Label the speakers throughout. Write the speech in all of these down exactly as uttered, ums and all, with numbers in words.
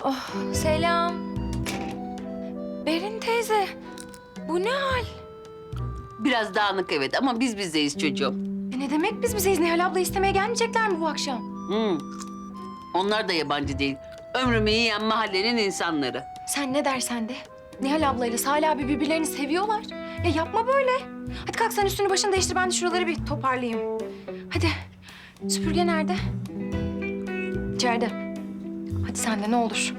Speaker 1: Oh, selam. Berin teyze, bu ne hal?
Speaker 2: Biraz dağınık evet ama biz bizdeyiz çocuğum.
Speaker 1: E ne demek biz bizeyiz? Nihal abla istemeye gelmeyecekler mi bu akşam?
Speaker 2: Hmm. Onlar da yabancı değil. Ömrümü yiyen mahallenin insanları.
Speaker 1: Sen ne dersen de. Nihal ablayla Salih abi birbirlerini seviyorlar. Ya yapma böyle. Hadi kalk sen üstünü başını değiştir, ben de şuraları bir toparlayayım. Hadi. Süpürge nerede? İçeride. Hadi sen de ne olur.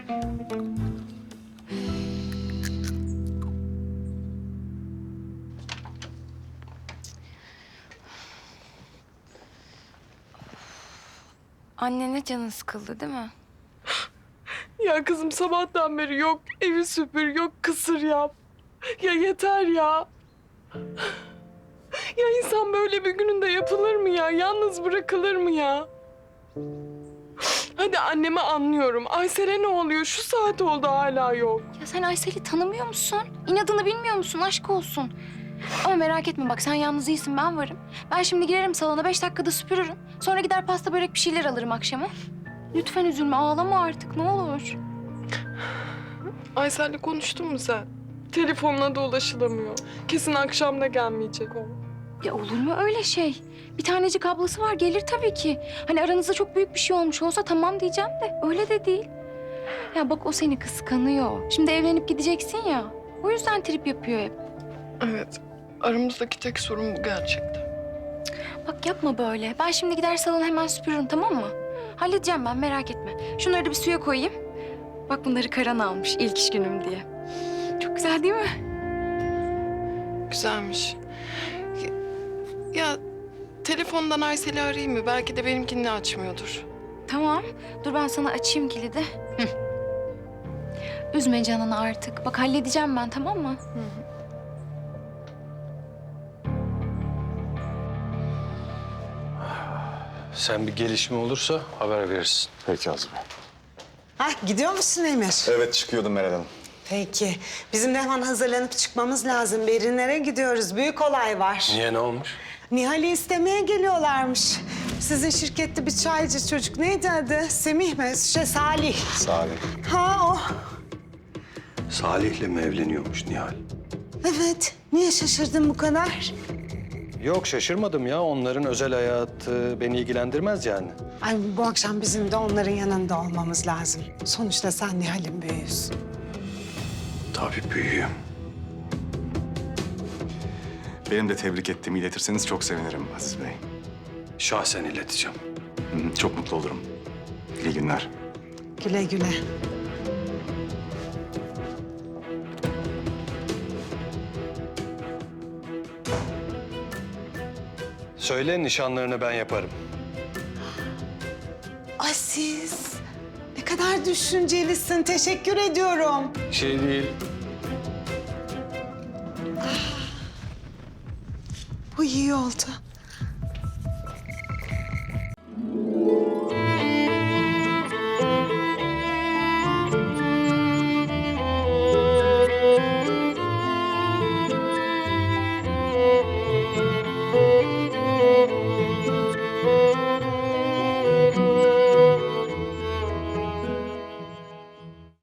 Speaker 1: Annene canın sıkıldı değil mi?
Speaker 3: Ya kızım sabahtan beri yok evi süpür, yok kısır yap. Ya yeter ya. Ya insan böyle bir gününde yapılır mı ya? Yalnız bırakılır mı ya? Hadi annemi anlıyorum. Aysel'e ne oluyor? Şu saat oldu hala yok.
Speaker 1: Ya sen Aysel'i tanımıyor musun? İnadını bilmiyor musun? Aşk olsun. Ama merak etme bak, sen yalnız değilsin, ben varım. Ben şimdi girerim salona, beş dakikada süpürürüm. Sonra gider pasta börek bir şeyler alırım akşama. Lütfen üzülme, ağlama artık ne olur.
Speaker 3: Aysel'le konuştun mu sen? Telefonuna da ulaşılamıyor. Kesin akşam da gelmeyecek o.
Speaker 1: Ya olur mu öyle şey? Bir tanecik ablası var, gelir tabii ki. Hani aranızda çok büyük bir şey olmuş olsa tamam diyeceğim de öyle de değil. Ya bak, o seni kıskanıyor. Şimdi evlenip gideceksin ya. O yüzden trip yapıyor hep.
Speaker 3: Evet. Aramızdaki tek sorun bu gerçekten.
Speaker 1: Bak yapma böyle. Ben şimdi gider salonu hemen süpürürüm, tamam mı? Halledeceğim ben, merak etme. Şunları da bir suya koyayım. Bak bunları Karan almış ilk iş günüm diye. Çok güzel değil mi?
Speaker 3: Güzelmiş. Ya, ya telefondan Aysel'i arayayım mı? Belki de benimkini açmıyordur.
Speaker 1: Tamam. Dur ben sana açayım kilidi. Hı. Üzme canını artık. Bak halledeceğim ben, tamam mı?
Speaker 3: Hı hı.
Speaker 4: Sen bir gelişme olursa haber verirsin.
Speaker 5: Peki Azmi Bey.
Speaker 6: Hah, gidiyor musun Emir?
Speaker 5: Evet çıkıyordum Meral Hanım.
Speaker 6: Peki. Bizim de hemen hazırlanıp çıkmamız lazım. Berinlere gidiyoruz. Büyük olay var.
Speaker 4: Niye, ne olmuş?
Speaker 6: Nihal'i istemeye geliyorlarmış. Sizin şirkette bir çaycı çocuk. Neydi adı? Semih mi? Şey, Salih.
Speaker 5: Salih.
Speaker 6: Ha o.
Speaker 4: Salih'le mi evleniyormuş Nihal?
Speaker 6: Evet. Niye şaşırdın bu kadar?
Speaker 4: Yok şaşırmadım ya. Onların özel hayatı beni ilgilendirmez yani.
Speaker 6: Ay bu akşam bizim de onların yanında olmamız lazım. Sonuçta sen Nihal'in büyüğüsün.
Speaker 4: Tabii büyüğüm.
Speaker 5: Benim de tebrik ettiğimi iletirseniz çok sevinirim Aziz Bey.
Speaker 4: Şahsen ileteceğim.
Speaker 5: Hı hı, çok mutlu olurum. İyi günler.
Speaker 6: Güle güle.
Speaker 4: Söyle, nişanlarını ben yaparım.
Speaker 6: Aziz. Ne kadar düşüncelisin. Teşekkür ediyorum.
Speaker 4: Şey değil.
Speaker 6: Bu iyi oldu.